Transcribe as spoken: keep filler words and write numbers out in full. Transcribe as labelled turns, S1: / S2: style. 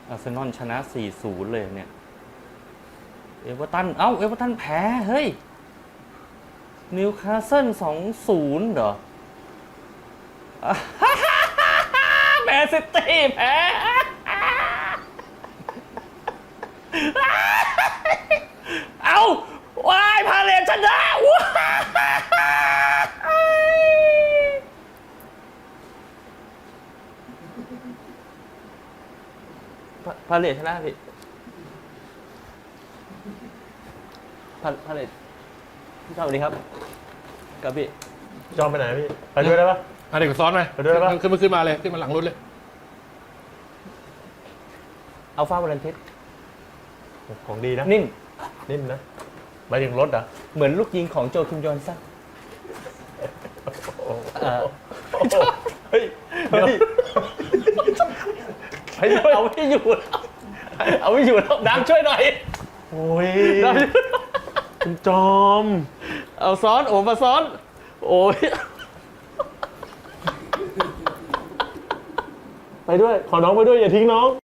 S1: อาร์เซนอลชนะ สี่ศูนย์ เลยเนี่ยเอเวอร์ตันเอ้าเอเวอร์ตันแพ้เฮ้ยนิวคาสเซิล สองศูนย์ เหรอแมนซิตี้แพ้เอ้าวายพาเลทชนะพาเลทชนะพี่พาพาเลทพี่ชอบดีครับกับพี่
S2: จอมไปไหนพี่ไปด้วยได้ปะ
S3: อ่ะเด็กซ้อนไหม
S2: ไปด้วยได้ปะ
S3: ขึ้นมาขึ้นมาเลยขึ้นมาหลังรถเลย
S1: อัลฟา วอลันติส
S2: ของดีนะ
S1: นิ่ม
S2: นิ่มนะหมายถึงรถอ่ะ
S1: เหมือนลูกยิงของโจคิมยอนซังเอ่อ
S2: เฮ้ยเฮ้ย
S1: เฮ้ยเอาไม่อยู่แล้วเอาไม่อยู่แล้วน้ำช่วยหน่อย
S2: โอ้ย
S1: น้ำช่วย
S2: คุณจอม
S1: เอาซ้อนโอ้มาซ้อน โอ้ย
S2: ไปด้วยขอน้องไปด้วยอย่าทิ้งน้อง